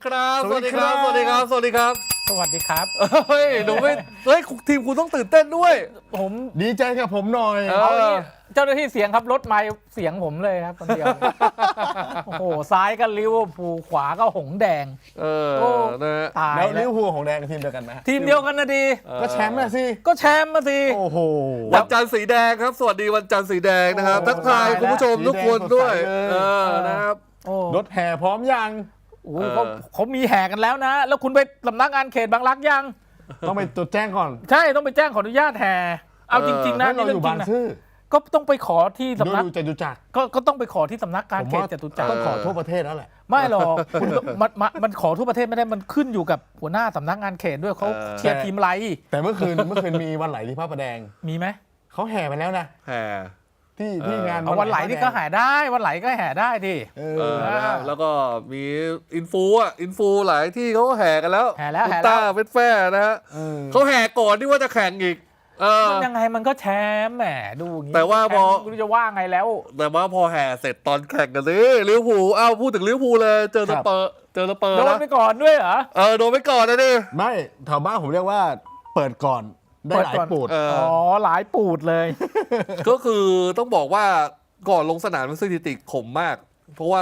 ครับสวัสดีครับสวัสดีครับ สวัสดีครับสวัสดีครับเฮ้ยหนูไม่เฮ้ยทีมคุณต้องตื่นเต้นด้วยผมดีใจกับผมหน่อยเออเอาอย่างนี้เจ้าหน้าที่เสียงครับรถไมค์เสียงผมเลยครับคนเดียว โอ้โหซ้ายก็ลิเวอร์พูลขวาก็หงส์แดงเออโอ้นะฮะตายแล้วลิแล้เววอร์พูลของแดงกับทีมเดียวกันไหมทีมเดียวกันนะดีก็แชมป์น่ะสิก็แชมป์มาสิโอ้โหวันจันทร์สีแดงครับ สวัสดีวันจันทร์สีแดงนะครับโอ้ทักทายตายแล้วคุณผู้ชมทุกคนด้วยสีแดงสดใสเลยเออนะครับโอ้รถแห่พร้อมยังโหเขามีแห่กันแล้วนะ แล้วคุณไปสำนักงานเขตบางรักยังต้องไปจดแจ้งก่อนใช่ต้องไปแจ้งขออนุญาตแห่เอาจริง ๆ นะให้เรานี่อเรื่อยู่ งจริบางงนะซื่อก็ต้องไปขอที่สำนักดูจตุจักรก็ต้องไปขอที่สำนักงานผมเขตว่าจตุจักรต้องขอทั่วประเทศแล้วแหละไม่หรอกคุณมันขอทั่วประเทศไม่ได้มันขึ้นอยู่กับหัวหน้าสำนักงานเขตด้วยเขาเชียร์ทีมไรแต่เมื่อคืนมีวันไหลที่พระประแดงมีไหมเขาแห่ไปแล้วนะแห่ที่งานเอาวันไหลนี่ก็แห่ได้วันไหลก็แห่ได้ดิเอเอออนะครับแล้วก็มีอินฟูหลายที่เขาก็แห่กันแล้วแห่แล้วคุณแห่ต้าแล้วเวทแฟร์นะฮะเออเขาแห่ก่อนที่ว่าจะแข่งอีกมันยังไงมันก็แชมป์แหมดูอย่างงี้แต่ว่าพอแชมป์ไม่รู้จะว่าไงแล้วแต่ว่าพอแห่เสร็จตอนแข่งกันสิลิเวอร์พูลอ้าวพูดถึงลิเวอร์พูลเลยเจอสเปอร์โดนนะไปก่อนด้วยเหรอโดนไปก่อนนะดิไม่แถวบ้านผมเรียกว่าเปิดก่อนได้หลายปูดเอออ๋อหลายปูดเลยก็คือต้องบอกว่าก่อนลงสนามมันสถิติขมมาก เพราะว่า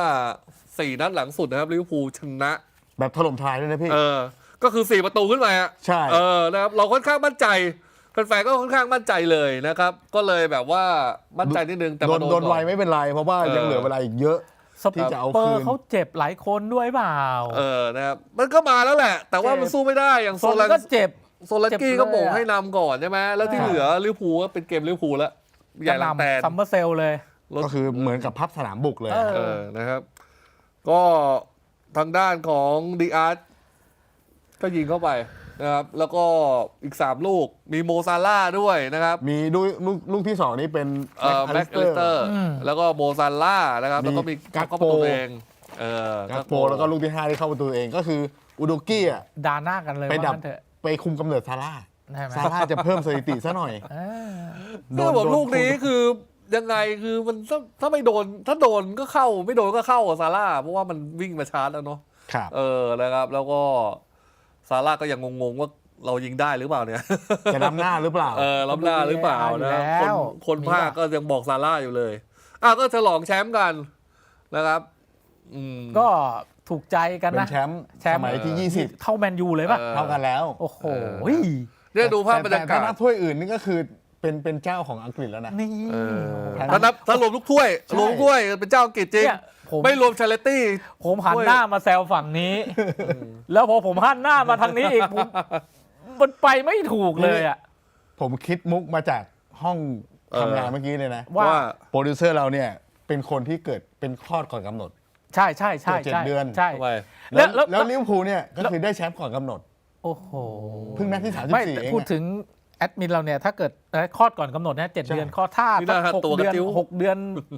4 นัดหลังสุดนะครับลิเวอร์พูลชนะแบบถล่มทลายด้วยนะพี่ก็คือ 4 ประตูขึ้นมาอะใช่นะครับเราค่อนข้างมั่นใจแฟนๆก็ค่อนข้างมั่นใจเลยนะครับ ก็เลยแบบว่ามั่นใจนิดนึงแต่มาโดนไวก่อไม่เป็นไร เพราะว่ายังเหลือเวลาอีกเยอะสที่จะเอาเปอคืร์นเขาเจ็บหลายคนด้วยเปล่านะครับมันก็มาแล้วแหละ แต่ว่ามันสู้ไม่ได้อย่างโซนก็เจ็บโซลันกี้เจ็บเลยก็โมงให้นำก่อนใช่ไหมแล้วที่ใช่เหลือลิเวอร์พูลก็เป็นเกมลิเวอร์พูลแล้วใหญ่หลังแตนซัมเมอร์เซลเลยก็คือเหมือนกับพับสนามบุกเลยเออนะครับ ก็ทางด้านของดีอาร์ตก็ยิงเข้าไปนะครับ แล้วก็อีก 3 ลูกมีโมซาล่าด้วยนะครับมีลูกที่ 2 นี้เป็นแม็กอลิสเตอร์ แล้วก็โมซาล่านะครับ แล้วก็มีกักโปเข้าประตูเองกักโปแล้วก็ลูกที่ 5 ที่เข้าประตูเองก็คืออุดกี้อ่ะดาหน้ากันเลยไปว่าดับงั้นเถอะไปคุมกำเนิดซาร่าใช่ไหมซาร่าจะเพิ่มสถิติซะหน่อยเออคือแบบลูกนี้คือยังไงคือมันถ้าไม่โดนถ้าโดนก็เข้าไม่โดนก็เข้ากับซาร่าเพราะว่ามันวิ่งมาชาร์จแล้วเนาะครับนะครับ แล้วก็ซาร่าก็ยังงงๆว่าเรายิงได้หรือเปล่าเนี่ยจะล้ำหน้าหรือเปล่าล้ำหน้าหรือเปล่านะอยู่แล้วคนภาคก็ยังบอกซาร่าอยู่เลยก็ฉลองแชมป์กันนะครับก็ถูกใจกันเป็นนะแชมป์แชมป์สมัยที่เท่าแมนยูเลยป่ะ 20 เท่ากันแล้วโอ้โหเนี่ยดูภาพบรรแต่ยาถ้ากานัศบถ้วยอื่นนี่ก็คือเป็นเจ้าของอังกฤษแล้วนะนี่ถ้ารวมทุกถ้วยใช่รวมทุกถ้วยเป็นเจ้าอังกฤษจริงเนี่ยผมไม่รวมชาเลตี้ผมหันหน้ามาแซวฝั่งนี้ แล้วพอผมหันหน้ามาทางนี้อีกมันไปไม่ถูกเลยอ่ะผมคิดมุกมาจากห้องทำงานเมื่อกี้เลยนะว่าโปรดิวเซอร์เราเนี่ยเป็นคนที่เกิดเป็นคลอดก่อนกำหนดใช่ใช่ใช่เจ็ดใช่เดือนใช่ทำไมแล้วลิเวอร์พูลเนี่ยก็คือได้แชมป์ก่อนกำหนดโอ้โหเพิ่งนัดที่ไม่ 34 แต่เองพูดถึงแอดมินเราเนี่ยถ้าเกิดคลอดก่อนกำหนดนะ7 ใช่เดือนคลอดถ้านี่น่าหกตัวกเดืระอนติ้ว 6 เดือน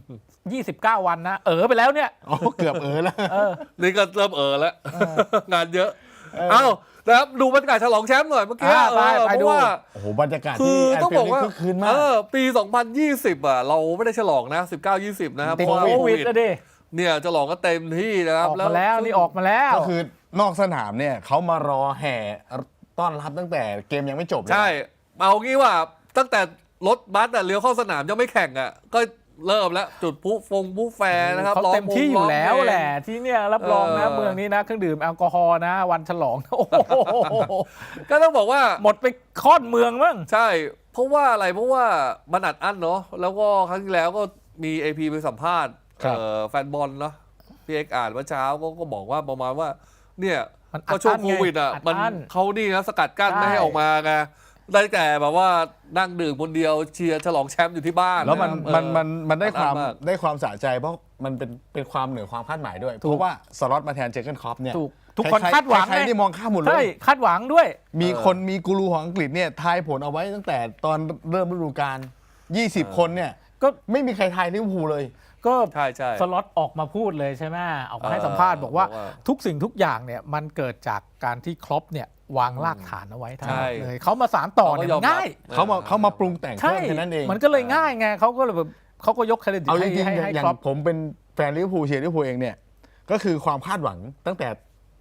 29 วันนะไปแล้วเนี่ยอ๋อเกือบแล้วเออนี่ก็เริ่มแล้ว งานเยอะ นะครับดูบรรยากาศฉลองแชมป์หน่อยเมื่อกี้ไปเพดูราะว่าโอ้โหบรรยากาศคืที่อแอนต้องฟิบลอกด์นี่ว่าคึกคืนมากปี 2020เราไม่ได้ฉลองนะ19-20นะครับติดเพราะว่าโควิดนะดิเนี่ยฉลองก็เต็มที่นะครับออกมาแล้วนี่ออกมาแล้วก็คือนอกสนามเนี่ยเขามารอแห่ต้อนรับตั้งแต่เกมยังไม่จบเลยใช่เอางี้ว่าตั้งแต่รถบัสเลี้ยวเข้าสนามยังไม่แข่งก็เริ่มแล้วจุดผู้แฟร์นะครับเขาเต็มที่อยู่แล้วร้งเพงแหละที่เนี่ยรับรองนะเมืองนี้นะเครื่องดื่มแอลกอฮอล์นะ วันฉลองโอ้โหก็ต้องบอกว่าหมดไปค่อนเมืองมั้งใช่เพราะว่าอะไรเพราะว่ามันอัดอั้นเนาะแล้วก็ครั้งที่แล้วก็มี AP ไปสัมภาษณ์แฟนบอลเนาะพี่เอกอ่านเมื่อเช้าก็บอกว่าประมาณว่าเนี่ยมันก็ช่วงโควิดอัดมันอั้นเขานี่นะสกัดกั้นใช่ไม่ให้ออกมาไงได้แต่แบบว่านั่งดื่มคนเดียวเชียร์ฉลองแชมป์อยู่ที่บ้านแล้วมันได้ความอัดอั้นมากได้ความสะใจเพราะมันเป็นความเหนือความคาดหมายด้วย เพราะว่าสล็อตมาแทนเจอร์เกนคล็อปเนี่ยถูกทุกคนคาดหวังใครๆนี่มองข้ามหมดเลใช่ยคาดหวังด้วยมีกูรูของอังกฤษเนี่ยทายผลเอาไว้ตั้งแต่ตอนเริ่มฤดูกาล20 คนเนี่ยก็ไม่มีใครทายลิเวอร์พูลเลยก็ใช่ใช่สล็อตออกมาพูดเลยใช่ไหมออกมาให้สัมภาษณ์บอกว่าทุกสิ่งทุกอย่างเนี่ยมันเกิดจากการที่ครอปเนี่ยวางรากฐานเอาไว้ทั้งหมดเลยเขามาสานต่อเนี่ยมันง่ายเขามาปรุงแต่งใช่เพิ่มแค่นั้นเองมันก็เลยง่ายไงเขาก็เลยแบบเขาก็ยกเครดิตเอาจให้ริงๆให้อย่างครอปผมเป็นแฟนลิเวอร์พูลเชียร์ลิเวอร์พูลเองเนี่ยก็คือความคาดหวังตั้งแต่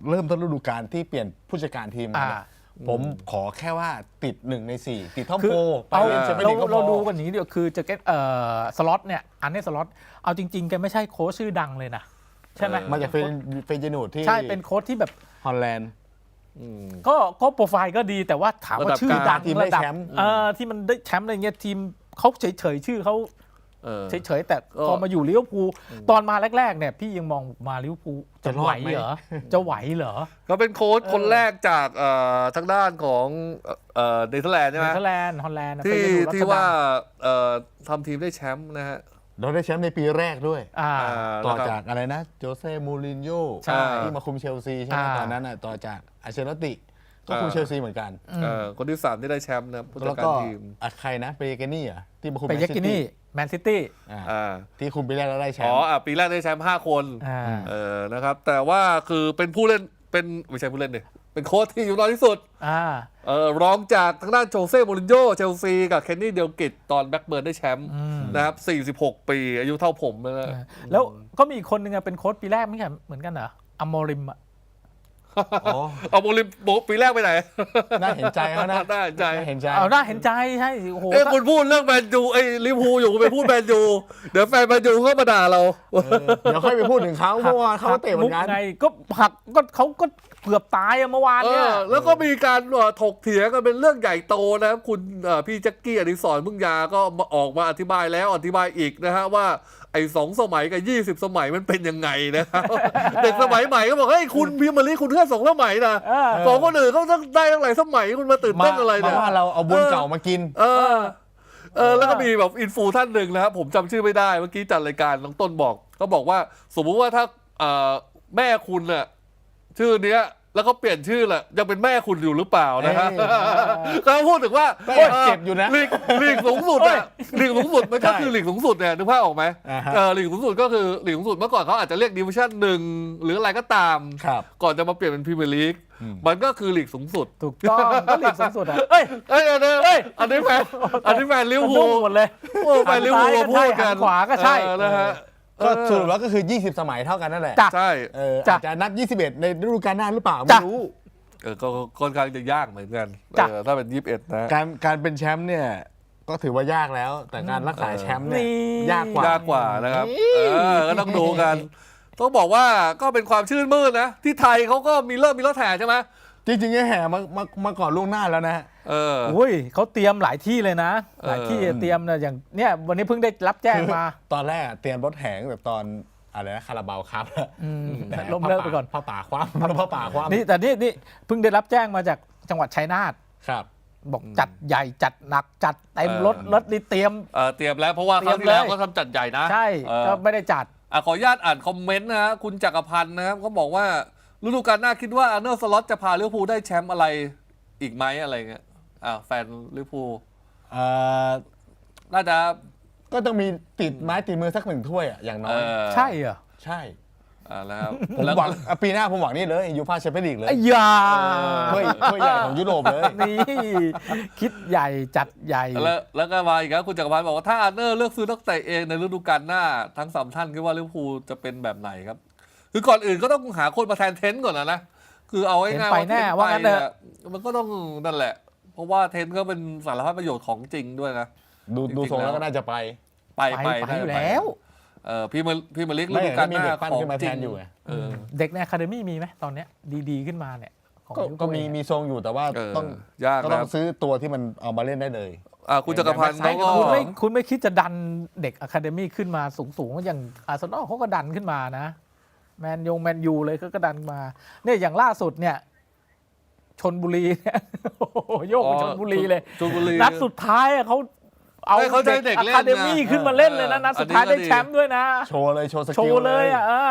เริ่มต้นฤดูกาลที่เปลี่ยนผู้จัดการทีมมาเนี่ยผมขอแค่ว่าติด1 ใน 4ติดท็อปโฟไปเล่นแชมเปี้ยนลีกก็พอเราดูกันอย่างนี้เดียวคือจะสล็อตเนี่ยอันนี้สล็อตเอาจริงๆแกไม่ใช่โค้ชชื่อดังเลยนะใช่ไหมมาจากเฟเจนูดที่ใช่เป็นโค้ชที่แบบฮอลแลนด์ก็โปรไฟล์ก็ดีแต่ว่าถามว่าชื่อดังทีมได้ระดับแชมป์ที่มันได้แชมป์อะไรเงี้ยทีมเขาเฉยๆชื่อเขาเฉยๆแต่พอมาอยู่ลิเวอร์พูลตอนมาแรกๆเนี่ยพี่ยังมองมาลิเวอร์พูลจะไหวเหรอจะไหวเหรอก็เป็นโค้ชคนแรกจากทางด้านของเนเธอร์แลนด์ใช่ไหมเนเธอร์แลนด์ฮอลแลนด์ที่ว่าทำทีมได้แชมป์นะฮะเราได้แชมป์ในปีแรกด้วย ต่อนะครับจากอะไรนะโจเซ่มูรินโญ่ใช่ที่มาคุมเชลซีใช่ไหมตอนนั้นต่อจากอาเชลอตติก็คุมเชลซีเหมือนกันคนที่ 3 ที่ได้แชมป์นะผู้จัแล้ดวการก็ทีมใครนะเปเกนี่อ่ะที่มาคุมไปแมนเยกซิกิตี้นี่แมนซิตี้ที่คุมปีแรกแล้วได้แชมอ๋อป์ปีแรกได้แชมป์5 คนอ่านะครับแต่ว่าคือเป็นผู้เล่นเป็นไม่ใช่ผู้เล่นดิเป็นโค้ชที่อยู่น้อยที่สุดรองจากทางด้านโจเซ่มูรินโญ่เชลซีกับเคนนี่เดลกิตตอนแบ็กเบิร์นได้แชมป์นะครับ46 ปีอายุเท่าผมเลยนะแล้วก็มีอีกคนนึงเป็นโค้ชปีแรกไม่ใช่เหมือนกันเหรออัมโมริมอ่ะเอาโมลิมปีแรกไปไหนน่าเห็นใจเขานะน่าเห็นใจน่าเห็นใจเอาน่าเห็นใจใช่โอ้โหคุณพูดเรื่องแมนยูลิเวอร์พูลอยู่คุณไปพูดแมนยูเดี๋ยวแฟนแมนยูก็มาด่าเราเดี๋ยวค่อยไปพูดถึงเขาเพราะว่าเขาเตะเหมือนกันไงก็หักก็เขาก็เกือบตายเมื่อวานเนี่ยแล้วก็มีการถกเถียงกันเป็นเรื่องใหญ่โตนะคุณพี่แจ็คกี้อดิศรพึ่งยาก็ออกมาอธิบายแล้วอธิบายอีกนะฮะว่าไอ้2 สมัยกับ20 สมัยมันเป็นยังไงนะครับ เด็กสมัยใหม่ก็บอกเฮ้ยคุณพิมพ์มาลีคุณแค่2 สมัยนะของคนอื่นเขาได้ตั้งหลายสมัยคุณมาตื่นเต้นอะไรเนี่ยว่าเราเอาบุญเก่ามากินแล้วก็มีแบบอินฟูท่านหนึ่งนะครับผมจำชื่อไม่ได้เมื่อกี้จัดรายการน้องต้นบอกเขาบอกว่าสมมุติว่าถ้าแม่คุณน่ะชื่อเนี้ยแล้วก็เปลี่ยนชื่อแหละยังเป็นแม่คุณอยู่หรือเปล่านะฮะเขาพูดถึงว่าเจ็บอยู่นะลีกสูงสุดอะลีกสูงสุดมันก็คือลีกสูงสุดเนี่ยนึกภาพออกไหมลีกสูงสุดก็คือลีกสูงสุดเมื่อก่อนเขาอาจจะเรียกดิวิชั่น1หรืออะไรก็ตามก่อนจะมาเปลี่ยนเป็นพรีเมียร์ลีกมันก็คือลีกสูงสุดถูกต้องก็ลีกสูงสุดอ่ะอันนี้แฟนลิเวอร์พูลหมดเลยแฟนลิเวอร์พูลพูดกันขวาก็ใช่นะฮะก็สรุปแล้วก็คือ20 สมัยเท่ากันนั่นแหละใช่อาจจะนับ21ในฤดูกาลหน้าหรือเปล่าไม่รู้ก็ค่อนข้างจะยากเหมือนกันถ้าเป็น21นะการเป็นแชมป์เนี่ยก็ถือว่ายากแล้ว แต่การรักษาแชมป์เนี่ยยากกว่านะครับก็ต้องดูกันต้องบอกว่าก็เป็นความชื่นมื่นนะที่ไทยเขาก็มีรถแห่ใช่ไหมจริงๆแห่มาก่อนล่วงหน้าแล้วนะอุ้ยเขาเตรียมหลายที่เลยนะหลายที่เตรียมนะอย่างเนี่ยวันนี้เพิ่งได้รับแจ้งมาตอนแรกเตรียมรถแห่แบบตอนอะไรนะคาราบาวครับแต่ล้มเลิกไปก่อนผ้าป่าคว่ำนี่แต่นี่เพิ่งได้รับแจ้งมาจากจังหวัดชัยนาทครับบอกจัดใหญ่จัดหนักจัดเต็มรถนี่เตรียมแล้วเพราะว่าครั้งที่แล้วก็ทำจัดใหญ่นะใช่ก็ไม่ได้จัดขออนุญาตอ่านคอมเมนต์นะคุณจักรพันธ์นะครับเขาบอกว่าฤดูกาลหน้าคิดว่าอาร์เนอร์สล็อตจะพาลิเวอร์พูลได้แชมป์อะไรอีกไหมอะไรเงี้ยแฟนลิเวอร์พูลน่าจะก็ต้องมีติดไม้ติดมือสัก1 ถ้วยอย่างน้อยใช่เหรอใช่แล้วผมหวังปีหน้าผมหวังนี่เลยยูฟ่าแชมเปี้ยนลีกเลยอย่าถ้วยใหญ่ของยุโรปเลยนี่คิดใหญ่จัดใหญ่แล้วก็มาอีกครับคุณจักรพันธ์บอกว่าถ้าอาร์เนอร์เลือกซื้อนักเตะเองในฤดูกาลหน้าทั้ง3 ท่านคิดว่าลิเวอร์พูลจะเป็นแบบไหนครับคือก่อนอื่นก็ต้องหาคนมาแทนเทนต์ก่อนนะคือเอาง่ายๆว่าแน่ว่างั้นเถอะมันก็ต้องนั่นแหละเพราะว่าเทนต์ก็เป็นสารพัดประโยชน์ของจริงด้วยนะดูทรงแล้วก็น่าจะไปอยู่แล้วพี่มาลิกฤดูกาลหน้าของจริงอยู่เด็กในอะคาเดมี่มีไหมตอนเนี้ยดีขึ้นมาเนี่ยก็มีทรงอยู่แต่ว่าต้องซื้อตัวที่มันเอามาเล่นได้เลยคุณจักรพันธ์เขาก็คุณไม่คิดจะดันเด็กอะคาเดมี่ขึ้นมาสูงอย่างอาร์เซนอลเขาก็ดันขึ้นมานะแมนยูเลยก็ดันมาเนี่ยอย่างล่าสุดเนี่ยชลบุรีเนี่ยโยกไปชลบุรีเลยนัดสุดท้ายเขาเอาเด็กอะคาเดมี่ขึ้นมาเล่นเลยนะนัดสุดท้ายได้แชมป์ด้วยนะโชว์เลยโชว์สกิลโชว์เลย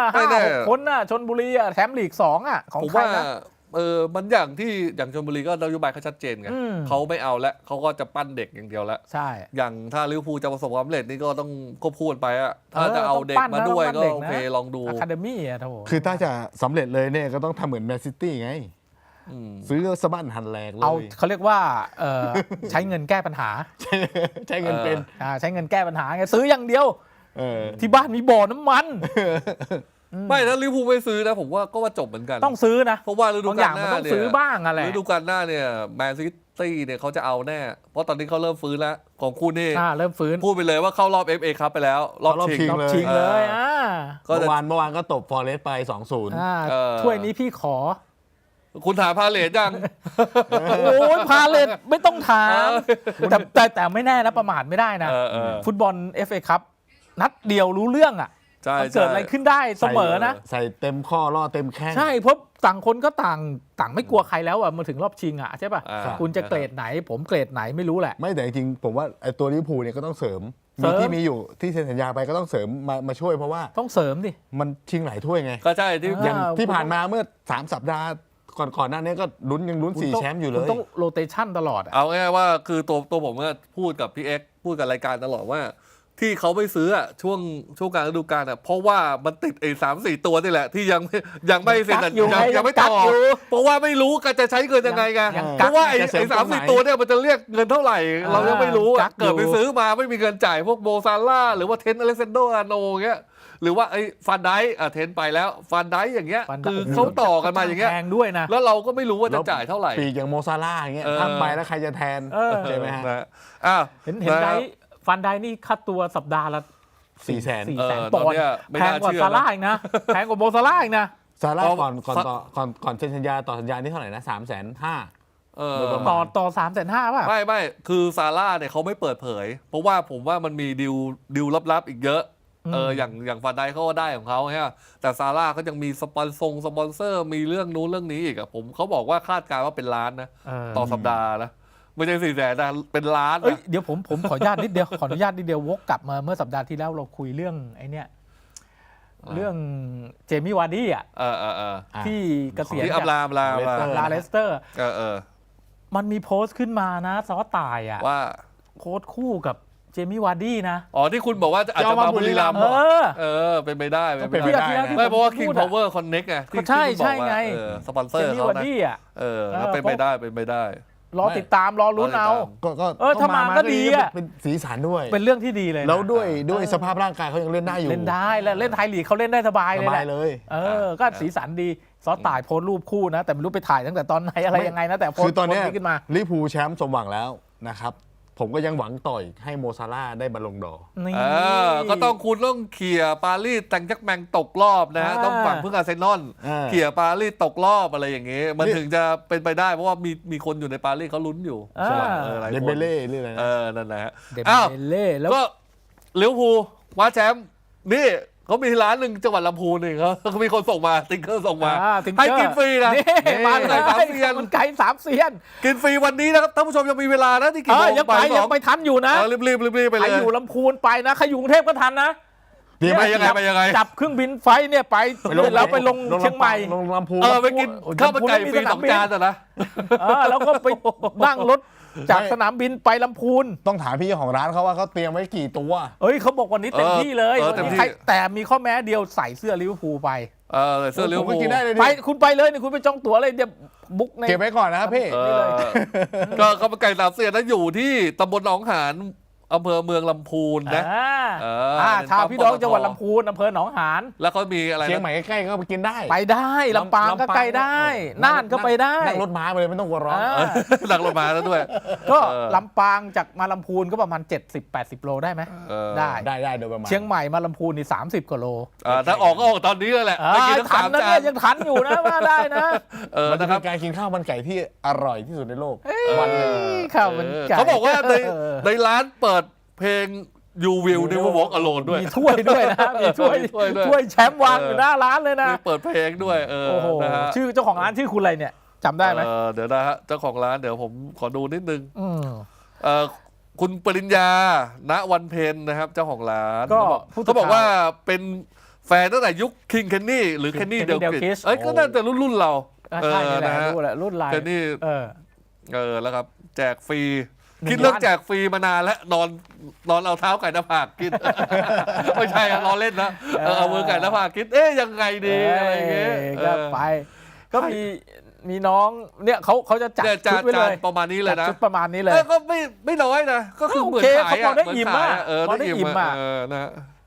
5-6 คนน่ะชลบุรีแชมป์ลีก2ของใครนะมันอย่างชลบุรีก็นโยบายเขาชัดเจนไงเขาไม่เอาแล้วเขาก็จะปั้นเด็กอย่างเดียวแล้วใช่อย่างถ้าลิเวอร์พูลจะประสบความสำเร็จนี่ก็ต้องควบคู่กันไปถ้าจะเอาเด็กมาด้วยก็โอเคลองดูอะคาเดมี่โถคือถ้าจะสำเร็จเลยเนี่ยก็ต้องทำเหมือนแมนซิตี้ไงซื้อสะบั้นหันแหลกเลยเขาเรียกว่าใช้เงินแก้ปัญหาใช้เงินเป็นใช้เงินแก้ปัญหาไงซื้ออย่างเดียวที่บ้านมีบ่อน้ำมันไม่นะลิเวอร์พูลไม่ซื้อนะผมว่าก็ว่าจบเหมือนกันต้องซื้อนะเพราะว่าฤดูบางอกาย่าลงหมันน้าต้องเนี่ยซื้อบ้างอะไรฤดูกาลหน้าเนี่ยแมนซิตี้เนี่ยเขาจะเอาแน่เพราะตอนนี้เขาเริ่มฟื้นแล้วของคุณนี่เริ่มฟื้นพูดไปเลยว่าเข้ารอบ FA ครับไปแล้วรอบชิงรอบชิงเลยก็เมื่จะอวานก็ตบฟอเรสต์ไป 2-0 ถ้วยนี้พี่ขอคุณถามพาเลทยังโอ้ยพาเลทไม่ต้องถามแต่ไม่แน่นะประมาทไม่ได้นะ ฟุตบอล FA ครับนัดเดียวรู้เรื่องอ่ะใช่มันเกิดอะไรขึ้นได้เสมอนะใส่เต็มข้อล่อเต็มแข้งใช่เพราะต่างคนก็ต่างไม่กลัวใครแล้วอ่ะมาถึงรอบชิงอ่ะใช่ป่ะ คุณจะเกรดไหนผมเกรดไหนไม่รู้แหละไม่แต่จริงๆผมว่าไอ้ตัวลิเวอร์พูลเนี่ยก็ต้องเสริมที่มีอยู่ที่เซ็นสัญญาไปก็ต้องเสริมมาช่วยเพราะว่าต้องเสริมดิมันชิงหลายถ้วยไงก็ใช่ที่อย่างที่ผ่านมาเมื่อ3 สัปดาห์ก่อนหน้านี้ก็ยังลุ้น4 แชมป์อยู่เลคุณยต้องโรเตชันตลอดเอาง่ายๆว่าคือตัวผมก็พูดกับพี่เอ็กซ์พูดกับรายการตลอดว่า ที่เขาไม่ซื้ออะช่วงกลางฤดูกาลอะเพราะว่ามันติดไอ้3-4 ตัวนี่แหละที่ยังไม่เซ็นสัญญายังไม่ต่อเพราะว่าไม่รู้กันจะใช้เงินยังไงไงเพราะว่าไอ้3-4 ตัวเนี่ยมันจะเรียกเงินเท่าไหร่ เรายังไม่รู้อะเกิดไปซื้อมาไม่มีเงินจ่ายพวกโมซาร่าหรือว่าเทนอเล็กซานโดอาร์โนเงี้ยหรือว่าไอ้ฟันไดเทนไปแล้วฟันไดอย่างเงี้ยคือเขาต่อกันมาอย่างเงี้ยแพงด้วยนะแล้วเราก็ไม่รู้ว่าจะจ่ายเท่าไหร่ปีกอย่างโมซาร่าอย่างเงี้ยทำไปแล้วใครจะแทนใช่ไหมฮะเห็นไดฟันไดนี่ค่าตัวสัปดาห์ละ 400,000 400,000 ปอนด์แพงกว่าซาร่าอีกนะแพงกว่าโมซาร่าอีกนะซาร่าก่อนเซ็นสัญญาต่อสัญญานี่เท่าไหร่นะ 350,000 ต่อ 350,000 ป่ะไม่คือซาร่าเนี่ยเขาไม่เปิดเผย เพราะว่าผมว่ามันมีดิวลับๆอีกเยอะอย่างฟันไดเขาก็ได้ของเขาใช่ไหมแต่ซาร่าเขายังมีสปอนเซอร์มีเรื่องนู้นเรื่องนี้อีกอะเขาบอกว่าคาดการณ์ว่าเป็นล้านนะต่อสัปดาห์นะไม่ใช่400,000นะเป็นล้านนะเดี๋ยวผมขออนุญาตนิดเดียวขออนุญาตนิดเดียววกกลับมาเมื่อสัปดาห์ที่แล้วเราคุยเรื่องไอ้เนี่ยเรื่องเจมี่วาร์ดี้อ่ะที่เกษียณที่อับลาเลสเตอร์มันมีโพสต์ขึ้นมานะซอต่ายอ่ะว่าโค้ชคู่กับเจมี่วาร์ดี้นะที่คุณบอกว่าอาจจะมาบุรีรัมย์เป็นไปได้ไม่เพราะว่า King Power Connect ไงที่ใช่ไงสปอนเซอร์เขานะแล้วเป็นไปได้รอติดตามรอลุ้นเอาถ้ามาก็ดีอ่ะเป็นสีสันด้วยเป็นเรื่องที่ดีเลยแล้วด้วยสภาพร่างกายเขายังเล่นได้อยู่เล่นได้แล้วเล่นไทยลีกเขาเล่นได้สบายเลยก็สีสันดีซอต่ายโพสต์รูปคู่นะแต่ไม่รู้ไปถ่ายตั้งแต่ตอนไหนอะไรยังไงนะแต่โพสต์คือตอนนี้ขึ้นมาลิเวอร์พูลแชมป์สมหวังแล้วนะครับผมก็ยังหวังต่อยให้โมซาร่าได้บอลลงดอร์ก็ต้องคุณต้องเขี่ยปารีสแตงจักแมงตกรอบนะฮะต้องฝั่งพึ่งอาร์เซนอลเขี่ยปารีสตกรอบอะไรอย่างเงี้ยมันถึงจะเป็นไปได้เพราะว่ามีคนอยู่ในปารีสเขาลุ้นอยู่เดมเบเล่เรื่องอะไรนั่นแหละเดมเบเล่แล้วก็ลิเวอร์พูลคว้าแชมป์นี่เขามีร้านหนึ่งจังหวัดลำพูนเองเขามีคนส่งมาติ๊กเกอร์ส่งมาให้กินฟรีนะมาเลยมันไก่3 เซียนกินฟรีวันนี้นะครับท่านผู้ชมยังมีเวลานะที่กี่โมงยังไปทันอยู่นะรีบไปเลยใครอยู่ลำพูนไปนะใครอยู่กรุงเทพก็ทันนะไปยังไงจับเครื่องบินไฟเนี่ยไปแล้วไปลงเชียงใหม่ลงลำพูนไปกินข้าวมันไก่ฟรี2 จานนะแล้วก็ไปนั่งรถจากสนามบินไปลำพูนต้องถามพี่เจ้าของร้านเขาว่าเขาเตรียมไว้กี่ตัวเขาบอกวันนี้เต็มที่เลยแต่มีข้อแม้เดียวใส่เสื้อลิเวอร์พูลไปเสื้อลิเวอร์พูลไปคุณไปเลยคุณไปจองตั๋วเลยเดี๋ยวบุ๊กเก็บไว้ก่อนนะครับพี่ก็ข้าวมันไก่3 เซียนนั้นอยู่ที่ตำบลหนองหานอำเภอเมืองลำพูนนะชาวพี่น้องจังหวัดลำพูนอำเภอหนองหานแล้วเขามีอะไรเชียงใหม่ใกล้ๆก็ไปกินได้ไปได้ลำปางก็ใกล้ได้น่านก็ไปได้นั่งรถม้าไปเลยไม่ต้องกลัวร้อนนั่งรถม้าแล้วด้วยก็ลำปางจากมาลำพูนก็ประมาณ70-80 โลได้ไหมได้โดยประมาณเชียงใหม่มาลำพูนนี่30 กว่าโลถ้าออกก็ออกตอนนี้เลยแหละทันนะเนี่ยยังทันอยู่นะว่าได้นะมันเป็นการกินข้าวมันไก่ที่อร่อยที่สุดในโลกวันนึงข้าวมันไก่เขาบอกว่าในร้านเปิดเพลง You Will Never Walk Alone ด้วยมีถ้วยด้วยนะมีถ้วยแชมป์วางอยู่หน้าร้านเลยนะเปิดเพลงด้วยโอ้โหชื่อเจ้าของร้านชื่อคุณอะไรเนี่ยจำได้ไหมเดี๋ยวนะฮะเจ้าของร้านเดี๋ยวผมขอดูนิดนึงคุณปริญญาณวันเพ็ญนะครับเจ้าของร้านเขาบอกว่าเป็นแฟนตั้งแต่ยุคคิงเคนนี่หรือเคนนี่เดลกิชก็น่าจะรุ่นเราใช่นะรุ่นไลน์เคนนี่แล้วครับแจกฟรีคิดเรื่องแจกฟรีมานานแล้วนอนเอาเท้าไก่หน้าผากกินไม่ใช่รอเล่นนะเอามือไก่หน้าผากกินยังไงดีอะไรอย่างเงี้ยก็ไปก็มีน้องเนี่ยเขาจะจัดชุดไว้เลยประมาณนี้เลยนะชุดประมาณนี้เลยก็ไม่น้อยนะก็คือเหมือนขายเขาได้อิ่มอ่ะได้อิ่มอ่ะนะ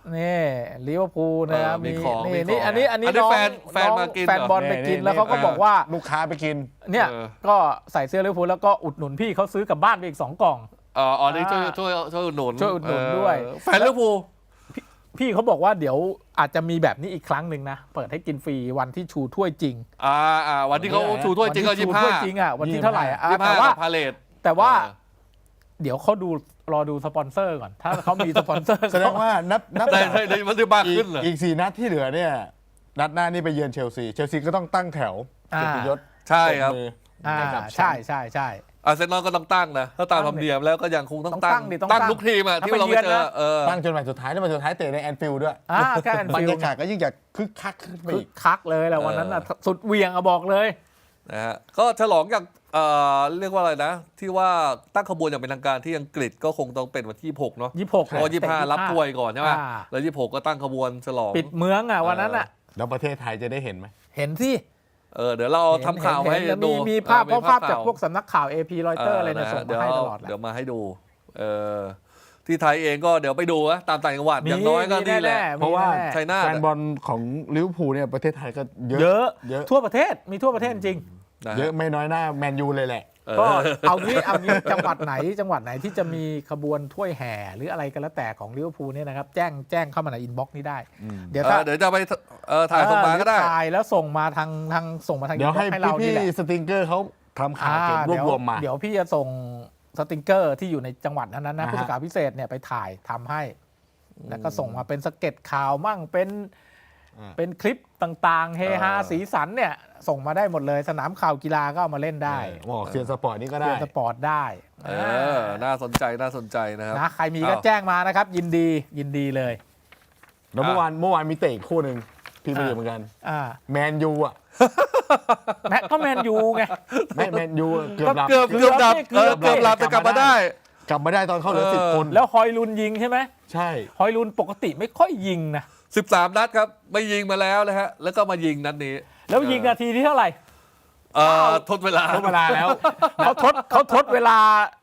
นี่ลิเวอร์พูลนะครับมีของนี่มีของอันนี้อันนี้น้องแฟนมากินแฟนบอลเหรอไปกินนี่แล้วเขาก็บอกว่าลูกค้าไปกินเนี่ยเออก็ใส่เสื้อลิเวอร์พูลแล้วก็อุดหนุนพี่เขาซื้อกลับบ้านไปอีก2 กล่องอ๋อนี่ช่วยอุดหนุนช่วยอุดหนุนด้วยแฟนลิเวอร์พูลพี่เขาบอกว่าเดี๋ยวอาจจะมีแบบนี้อีกครั้งหนึ่งนะ เปิดให้กินฟรีวันที่ชูถ้วยจริงวันที่เขาชูถ้วยจริงก็วันที่ชูถ้วยจริงอ่ะวันที่เท่าไหร่อ่ะ 25 แต่ว่าพาเลทแต่ว่า เดี๋ยวเขารอดูสปอนเซอร์ก่อน ถ้าเขามีสปอนเซอร์แสดงว่านับได้จากได้มันจะมากขึ้นเหรออีก4 นัดที่เหลือเนี่ยนัดหน้านี่ไปเยือนเชลซีก็ต้องตั้งแถวเกียรติยศใช่ครับปมืออ่าให้กับแชใช่มป์ใช่ใช่อาร์เซนอลก็ต้องตั้งนะถ้าตามธรรมเนียมแล้วก็ยังคงต้องต้องตั้ตั้งงดิต้องตั้งทุกทีมอ่ะที่ถ้าเราไปไปเยือนเจอนะตั้งจนวันสุดท้ายแล้ววันสุดท้ายเตะในแอนฟิลด์ด้วยแค่แอนบรฟิรลยากาศก็ยิ่งจะคึกคักขึ้นไปคึอีกกคักเลยแหละวันนั้นน่ะสุดเหวียงอะบอกเลยนะฮะก็ฉลองอย่างเรียกว่าอะไรนะ ที่ว่าตั้งขบวนอย่างเป็นทางการที่อังกฤษก็คงต้องเป็นวันที่26เนาะ 26 เพราะว่า25รับถ้วยก่อนใช่ไหมแล้ว26ก็ตั้งขบวนฉลองปิดเมืองอ่ะวันนั้นอ่ะแล้วประเทศไทยจะได้เห็นไหมเห็นที่เดี๋ยวเราทำข่าวให้เห็นดูมีภาพเออเพราะภาพจากข่วพวกสำนักข่าว AP รอยเตอร์อะไรเนี่ยนะฮะส่งมาให้ตลอดแหละเดี๋ยวมาให้ดูที่ไทยเองก็เดี๋ยวไปดูนะตามต่างจังหวัดมีอย่างน้อยก็นี่แหละมีเพราะว่าแน่ชัยนาทแฟนบอลของลิเวอร์พูลเนี่ยประเทศไทยก็เยเยอะอะเยอะทั่วประเทศมีทั่วประเทศจริงนะฮะเยอะไม่น้อยหน้าแมนยูเลยแหละก็เอางี้จังหวัดไหนที่จะมีขบวนถ้วยแห่หรืออะไรก็แล้วแต่ของลิเวอร์พูลเนี่ยนะครับแจ้งเข้ามาในอินบ็อกซ์นี้ได้ เดี๋ยวถ้าเดี๋ยวจะไปถ่ายส่งมาก็ได้หรือถ่ายแล้วส่งมาทางส่งมาทางเดี๋ยวให้เราพี่นี่แหละสติงเกอร์เขาทำข่าวเก็บรวบรวมมาเดี๋ยวพี่จะส่งสติงเกอร์ที่อยู่ในจังหวัดนั้นนะอ่าฮะผู้สื่อข่าวพิเศษเนี่ยไปถ่ายทำให้ แล้วก็ส่งมาเป็นสเก็ตข่าวมั่งเป็นคลิปต่างๆเฮฮาสีสันเนี่ยส่งมาได้หมดเลยสนามข่าวกีฬาก็เอามาเล่นได้บอกเซียนสปอร์ตนี่ก็ได้เล่นสปอร์ตได้น่าสนใจนะครับนะใครมีก็แจ้งมานะครับ ยินดีเลยแล้วเมื่อวานมีเตะอีกคู่หนึ่งพี่ไปอยู่เหมือนกัน แมนยูอ่ะก็แมนยูไงไม่แมนยูเกือบหลับเกือบดับเกือบหลับแต่กลับมาได้กลับมาได้ตอนเข้าเหลือ10 คนแล้วฮอยลุนยิงใช่ไหมใช่ฮอยลุนปกติไม่ค่อยยิงนะ 13 นัดครับไม่ยิงมาแล้วนะฮะแล้วก็มายิงนัดนี้แล้วยิงนาทีที่เท่าไหร่ทดเวลาทดเวลาแล้วเขาทดเวลา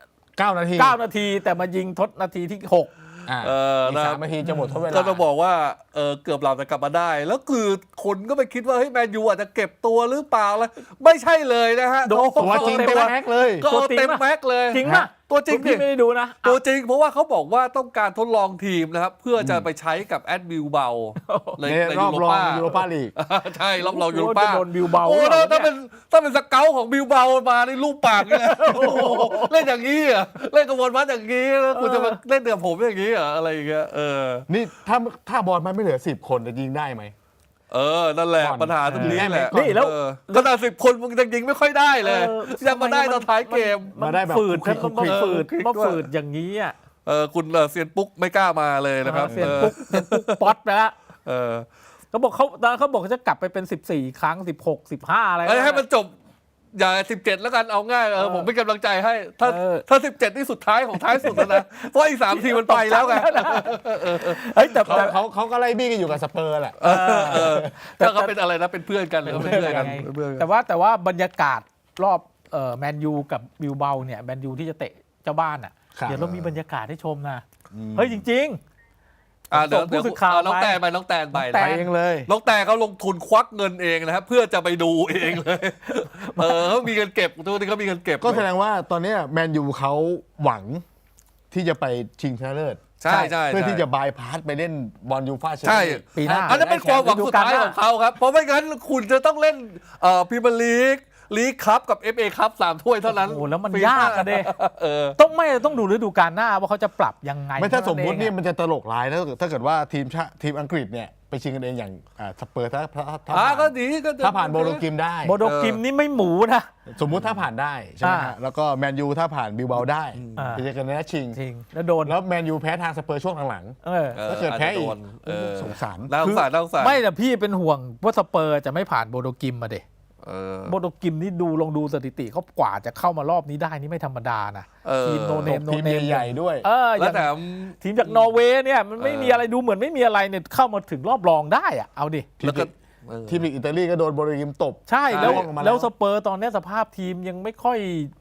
9 นาที 9 นาทีแต่มายิงทดนาทีที่ 6 อ่านะอีก3 นาทีจะหมดทดเวลาก็ต้องบอกว่าเกือบหลับแต่กลับมาได้ แล้วคือคนก็ไปคิดว่าเฮ้ยแมนยูอาจจะเก็บตัวหรือเปล่าแล้วไม่ใช่เลยนะฮะตัวจริงเต็มแม็กเลยก็เอาเต็มแม็กเลยจริงป่ะตัวจริงพี่ไม่ได้ดูนะตัวจริงเพราะว่าเขาบอกว่าต้องการทดลองทีมนะครับ เพื่อจะไปใช้กับแอดบิลเบาในในรอบรองยูโรปาลีกใช่รอบรองยูโรจะป้าโดนบิลเบาโอ้หรือเปล่าถ้าเป็นสเกลของบิลเบามาในรูปปากนี่แหละโอ้โหเล่นอย่างนี้เหรอเล่นกระบวนการอย่างนี้แล้วคุณจะมาเล่นเดือผมอย่างนี้เหรออะไรอย่างเงี้ยนี่ถ้าบอลมันไม่เหลือ10 คนจะยิงได้ไหมนั่นแหละก่อนปัญหาตรงนี้แหละนี่แล้วขนาด10 คนมึงยังยิงไม่ค่อยได้เลยยังมาได้ตอนท้ายเกมมาได้แบบฝืดครับคุกมาคิกฝืดคุกคิกมาด้วยฝืดอย่างนี้อ่ะคุณเซียนปุ๊กไม่กล้ามาเลยนะครับเซียนปุ๊กป๊อตไปแล้วเออเขาบอกเขาบอกจะกลับไปเป็น14 ครั้ง 16 15อะไรให้มันจบอย่า17แล้วกันเอาง่ายผมเป็นกำลังใจให้ถ้า17นี่สุดท้ายของท้ายสุดแล้วนะเพราะอีก3 ทีมันไปแล้วไงเฮ้ยแต่เขาก็ไล่บี้กันอยู่กับสเปอร์แหละถ้าเขาเป็นอะไรนะเป็นเพื่อนกันหรือเป็นเพื่อนกันแต่ว่าบรรยากาศรอบแมนยูกับบิลเบาเนี่ยแมนยูที่จะเตะเจ้าบ้านอ่ะครับเดี๋ยวเรามีบรรยากาศให้ชมนะเฮ้ยจริงเดี๋ยวส่งผู้สื่อข่าวน้องแตนไปน้องแตนไปเองเลยน้องแตนเขาลงทุนควักเงินเองนะครับเพื่อจะไปดูเองเลยเขามีเงินเก็บทุกที่เขามีเงินเก็บก็แสดงว่าตอนนี้แมนยูเขาหวังที่จะไปชิงชนะเลิศใช่ใช่เพื่อที่จะบายพาสไปเล่นบอลยูฟ่าแชมใช่เปี้ยนลีกปีหน้าอันนั้นเป็นความหวังสุดท้ายของเขาครับเพราะไม่งั้นคุณจะต้องเล่นพรีเมียร์ลีกคัพกับ FA คัพ3 ถ้วยเท่านั้นโอ้โหแล้วมันยากอะเด้ ต้องดูฤดูกาลหน้าว่าเขาจะปรับยังไงไม่ถ้าสมมุตินี่เท่ามันจะตลกร้ายถ้าเกิดว่าทีมอังกฤษเนี่ยไปชิงกันเองอย่างสเปอร์ถ้าก็ดีก็ถ้าผ่านโบโลกิมได้โบโดกิมนี่ไม่หมูนะสมมุติถ้าผ่านได้ใช่ไหมฮะแล้วก็แมนยูถ้าผ่านบิลเบาได้ ไปเจอกันในนัดชิงจริงแล้วโดนแล้วแมนยูแพ้ทางสเปอร์ช่วงหลัง ถ้าเกิดแพ้อีก สงสารน่าสงสารน่าสงสารไม่แต่พี่เป็นห่วงว่าสเปอร์จะไม่ผ่านโบโดกิมมาเด็โบโดกิมนี่ลองดูสถิติเขากว่าจะเข้ามารอบนี้ได้นี่ไม่ธรรมดานะทีมโนเนมทีมใหญ่ๆด้วยแล้วแต่ทีมจากนอร์เวย์เนี่ยมันไม่มีอะไรดูเหมือนไม่มีอะไรเนี่ยเข้ามาถึงรอบรองได้อะเอาดิแล้วก็ทีมลีกอิตาลีก็โดนโบโลกิมตบใช่แล้วล่วงลงมาแล้วสเปอร์ตอนนี้สภาพทีมยังไม่ค่อย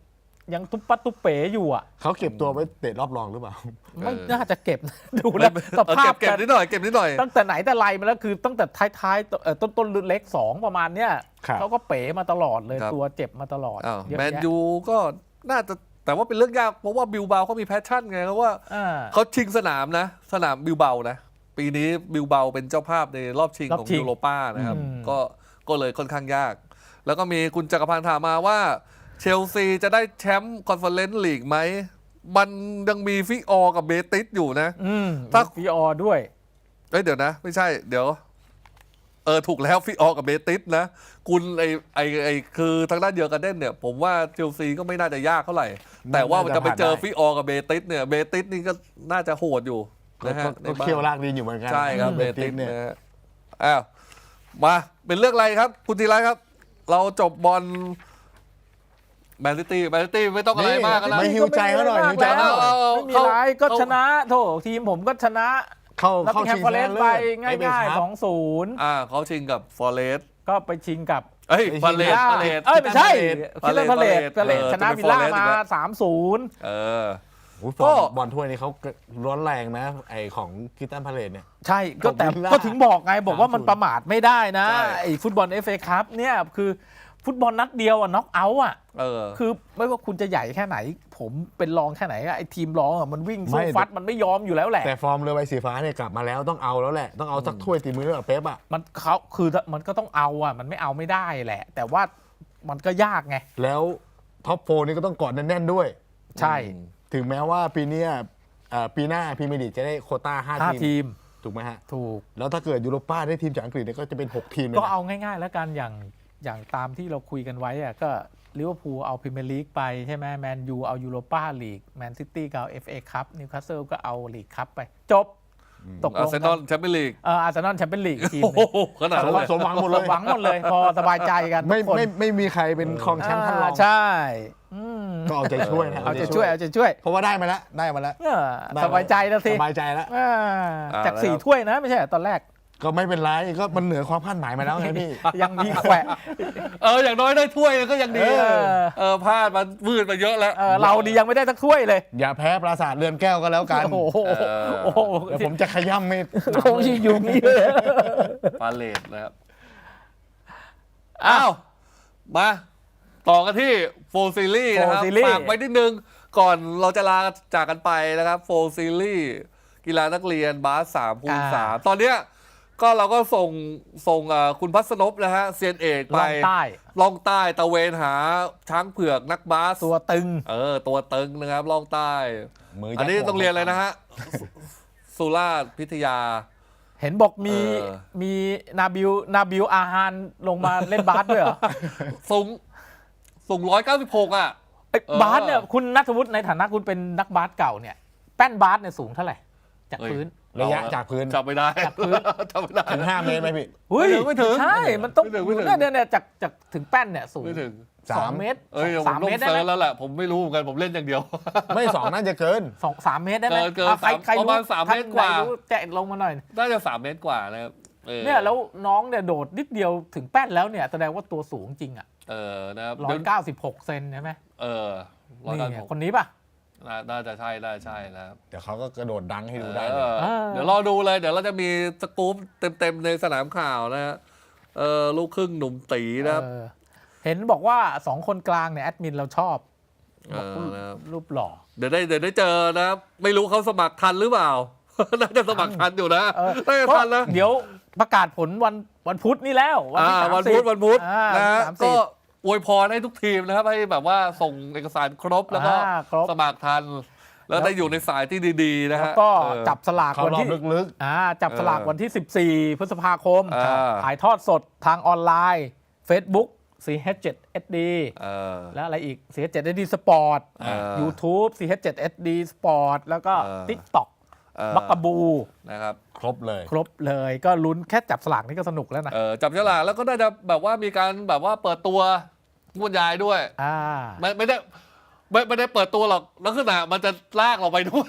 ยังตุ๊บปัดตุ๊บเป๋อยู่อ่ะเขาเก็บตัวไว้เตะรอบรองหรือเปล่าไม่น่าจะเก็บนะดูแล้วสภาพเก็บนิดหน่อยเก็บนิดหน่อยตั้งแต่ไหนแต่ไรมาแล้วคือตั้งแต่ท้ายๆต้นเล็ก2ประมาณเนี้ยครับเขาก็เป๋มาตลอดเลยครับตัวเจ็บมาตลอดอ้าวเยอะแมนแยะยูก็น่าจะแต่ว่าเป็นเรื่องยากเพราะว่าบิลเบาเขามีแพชชั่นไงเพราะว่าอ่าเขาชิงสนามนะ สนามบิลเบานะ ปีนี้บิลเบาเป็นเจ้าภาพในรอบชิงรอบของชิงยูโรป้านะครับอืมก็เลยค่อนข้างยาก แล้วก็มีคุณจักรพันธ์ถามมาว่าเชลซีจะได้แชมป์คอนเฟอเรนซ์ลีกไหม มันยังมีฟิออร์กับเบติสอยู่นะ ถ้าพีออด้วยเดี๋ยวนะ ไม่ใช่ เดี๋ยวถูกแล้วฟิออร์กับเบติสนะ คุณไอคือทางด้านเดียวกันเด่นเนี่ย ผมว่าเชลซีก็ไม่น่าจะยากเท่าไหร่ แต่ว่ามันจะไปเจอฟิออร์กับเบติสเนี่ยเบติสนี่ก็น่าจะโหดอยู่นะฮะในก็บ้านเคี่ยวลากดินอยู่เหมือนกันใช่ครับเบเบติติสสเนี่ยนะฮะอ้าวมาเป็นเรื่องอะไรครับ คุณธีระครับ เราจบบอลแมนซิตี้ไม่ต้องอะไรมากกันนะไม่หิวใจเขาหน่อยหิวใจเขาหน่อยไม่มีไรก็ชนะโถทีมผมก็ชนะเข้าแล้วเข้าเป็นแฮมชิงเปอร์เลชสนะไปเลิศง่าย FA ๆ Cup 2-0 เขาชิงกับฟอเรสต์ก็ไปชิงกับเอ้ยฟอเรสต์ไม่ใช่ฟาคิดเลว่าสพาเลตฟาเลตชนะจะเป็นวิลล่าฟอเรสต์มาอีกแล้ว 3-0 เออโอ้ยก็บอลถ้วยนี้เขาร้อนแรงนะไอของคิตตันพาเลตเนี่ยใช่ก็แต่ของวิลล่าก็ถึงบอกไงบอกว่ามัน 3-0 ประมาทไม่ได้นะใช่ไอ้ฟุตบอล FA คัพเนี่ยคือฟุตบอลนัดเดียวอะน็อกเอาท์อะเออคือไม่ว่าคุณจะใหญ่แค่ไหน ผมเป็นรองแค่ไหนอะไอ้ทีมรองอะมันวิ่งสู้ไม่ฟัดมันไม่ยอมอยู่แล้วแหละแต่ฟอร์มเรือใบสีฟ้าเนี่ยกลับมาแล้วต้องเอาแล้วแหละ ต้องเอาสักถ้วยตีมือกับเป๊ปอ่ะมันเขาคือมันก็ต้องเอาอะมันไม่เอาไม่ได้แหละ แต่ว่ามันก็ยากไงแล้วท็อปโฟนี่ก็ต้องกอดแน่นๆด้วยใช่ถึงแม้ว่าปีเนี้ยปีหน้าพรีเมียร์ลีกจะได้โควต้าห้า 5 ทีทีมมถูกไหมฮะถูกแล้วถ้าเกิดยูโรป้าได้ทีมจากอังกฤษเนี่ยก็จะเป็น 6 ทีมเลยก็นะเอาง่ายๆ แล้วกันอย่างตามที่เราคุยกันไว้อะก็ลิเวอร์พูลเอาพรีเมียร์ลีกไปใช่ไหมแมนยูเอายูโรป้าลีกแมนซิตี้ก็เอา FA คัพนิวคาสเซิลก็เอาลีกคัพไป จบ ตกลอาง ร์เซนอลแชมเปี้ยนลีกอาร์เซนอลแชมเปี้ยนลีกทีมโอ้หนึ่งโหขนาดนั้นเลยสมหวังหมดเลยหวังหมดเลย พอสบายใจกันทุไม่กคนไม่มีใครเป็นครองแชมป์ท่านรองใช่อืมก็เอาใจช่วยนะเอาใจช่วยเอาใจช่วยเพราะว่าได้มาแล้วได้มาแล้วเออสบายใจแล้วสิสบายใจแล้วอ่าจากแล้ว 4 ถ้วยนะไม่ใช่เหรอตอนแรกก็ไม่เป็นไรก็มันเหนือความคาดหมายมาแล้วไงพี่ยังมีแขวะอย่างน้อยได้ถ้วยก็ยังดี พลาดมันวืดมาเยอะแล้วเราดียังไม่ได้สักถ้วยเลยอย่าแพ้ปราสาทเรือนแก้วก็แล้วกันโอ้โหโอ้โหเดี๋ยวผมจะขย้ำไม่ผมอยู่นี่เลยฟาเลตนะครับ อ้าว มาต่อกันที่โฟซีรีส์นะครับ Four Series ฝากไว้นิดนึง ก่อนเราจะลาจากกันไปนะครับโฟซีรีส์กีฬานักเรียนบาส3คูณ3ตอนเนี้ยก็เราก็ส่งคุณพัฒนพนะฮะเซียนเอกไปล่องใต้ล่องใต้ตะเวนหาช้างเผือกนักบาสตัวตึงตัวตึงนะครับล่องใต้มือยัดอันนี้ต้องเรียนเลยนะฮะ สุราษฎร์พิทยาเห็นบอกมีเออมีนาบิลอาฮานลงมาเล่นบาสด้วยเหรอสูง196อ่ะไอ้เออบาสเนี่ยคุณนัทวุฒิในฐานะคุณเป็นนักบาสเก่าเนี่ยแป้นบาสเนี่ยสูงเท่าไหร่จากพื้นระยะจากพื้นจำไม่ได้จากพื้นจำไม่ได้ถึง 5 เมตรไหมพี่เฮ้ยไม่ถึงใช่มันต้องไม่ถึงเนี่ยจากถึงแป้นเนี่ยสูงไม่ถึง 2 เมตรเอ้ยผสาม มลงเมตรได้เซิไหมร์ชแล้วแหละผมไม่รู้เหมือนกันผมเล่นอย่างเดียวไม่2น่าจะเกิน 3 เมตรได้ไหมเกินอ่ะใครประมาณรู้ 3 เมตรกว่าท่นใดรู้แจะลงมาหน่อยน่าจะ3 เมตรกว่านะครับเนี่ยแล้วน้องเนี่ยโดดนิดเดียวถึงแป้นแล้วเนี่ยแสดงว่าตัวสูงจริงอ่ะนะครับ 196 เซนใช่ไหมร้อยนี่เก้าไงสิบหกคนนี้ป่ะน่าจะใช่นะครับเดี๋ยวเขาก็กระโดดดังให้ดูได้เลยเดี๋ยวรอดูเลย เดี๋ยวเราจะมีสกู๊ปเต็มๆในสนามข่าวนะฮะลูกครึ่งหนุ่มตีนะครับเห็นบอกว่า 2 คนกลางเนี่ยแอดมินเราชอบบอกนะครับรูปหล่อเดี๋ยวได้เจอนะครับไม่รู้เขาสมัครทันหรือเปล่า น่าจะสมัครทันอยู่นะน่าจะทันนะเดี๋ยวประกาศผลวันพุธนี่แล้ววันที่30 วันพุธอ่านะฮะ 30 ก็อวยพรให้ทุกทีมนะครับให้แบบว่าส่งเอกสารครบแล้วก็ครบสมัครทัน แล้วได้อยู่ในสายที่ดีๆนะแล้วฮะก็จับสลากเขาวันรอที่บลึกจับสลากวันที่ 14 พฤษภาคม ถ่ายทอดสดทางออนไลน์ Facebook CH7SD แล้วอะไรอีก CH7SD Sport YouTube CH7SD Sport แล้วก็ TikTok บักกะบูนะครับๆ ครบเลยครบเลยก็ลุ้นแค่จับสลากนี่ก็สนุกแล้วนะจับฉลากแล้วก็น่าจะแบบว่ามีการแบบว่าเปิดตัวงวดยายด้วย ไม่ได้เปิดตัวหรอกลักษณะมันจะลากเราไปด้วย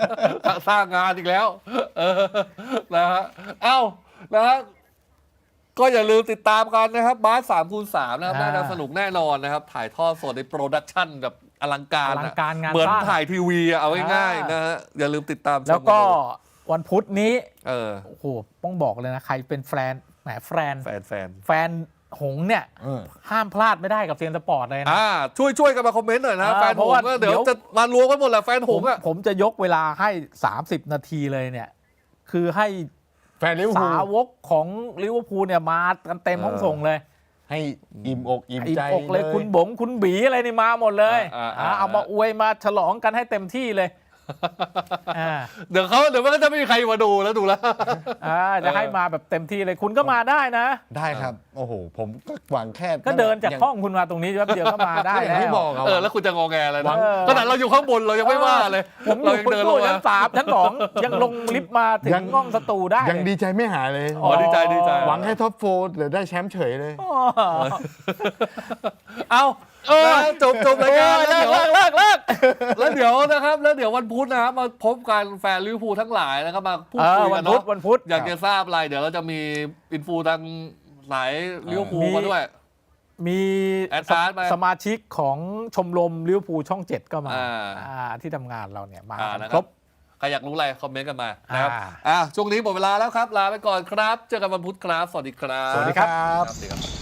สร้างงานอีกแล้วนะฮะเอ้านะฮะก็อย่าลืมติดตามกันนะครับบาส3คูณ3นะครับอ่าน่าจะสนุกแน่นอนนะครับ ถ่ายทอดสดในโปรดักชั่นแบบอลังการอลังการงานเหมือนสร้างถ่ายทีวีอะเอาง่ายอ่าๆนะฮะอย่าลืมติดตามชมแล้วก็นดูวันพุธนี้เออโอ้โหต้องบอกเลยนะ ใครเป็นแฟนแหมแฟนแฟนหงส์เนี่ยเออห้ามพลาดไม่ได้กับเซียนสปอร์ตเลยนะช่วยกันมาคอมเมนต์หน่อยนะอ่าแฟนเพหราะงว่าส์ก็เดี๋ยวเดี๋ยวจะมารวมกันหมดแหละแฟนหงส์อะผมจะยกเวลาให้ 30 นาทีเลยเนี่ย คือให้แฟนลิเวอร์พูสาลวกของลิเวอร์พูลเนี่ยมากันเต็มห้องส่งเลยให้อิ่มอกอิ่มอิ่ใจมอกเลยคุณบงคุณบีอะไรนี่มาหมดเลย เอามาอวยมาฉลองกันให้เต็มที่เลยอ่าเดี๋ยวมันก็จะไม่มีใครมาดูแล้วดูแล้วจะให้มาแบบเต็มที่เลยคุณก็มาได้นะได้ครับ โอ้โห ผมก็หวังแค่ก็เดินจากย่ห้องคุณมาตรงนี้แป๊บเดียวก็มาได้อย่างแล้วที่บอกอะแล้วคุณจะงอแงอะไรหวันะงขนาดเราอยู่ข้างบนเรายังไม่ว่าเลยผมอเรายู่ยังบนเดินลตู้งชั้มาน 3 ชั้น 2 ยังลงลิฟต์มาถึงห้องสตูได้ยังดีใจไม่หายเลยอ๋อดีใจหวังแค่ท็อปโฟร์เดี๋ยวได้แชมป์เฉยเลยอ๋อเอานะจบรายการเลิกแล้วเดี๋ยวนะครับแล้วเดี๋ยววันพุธนะครับมาพบกันแฟนลิเวอร์พูลทั้งหลายนะครับมาพูดคุยวักัน นพุธเนาะวันพุธอยากจะทราบอะไรเดี๋ยวเราจะมีอินฟูทางสายลิเวอร์พูลมีมาด้วยมีแอดการ์ดไปสมาชิกของชมรมลิเวอร์พูลช่อง 7 ก็มาอ่าที่ทำงานเราเนี่ยมานะคครรับบ ใครอยากรู้อะไรคอมเมนต์กันมานะครับอ่าช่วงนี้หมดเวลาแล้วครับลาไปก่อนครับเจอกันวันพุธครับสวัสดีครับสวัสดีครับสวัสดีครับ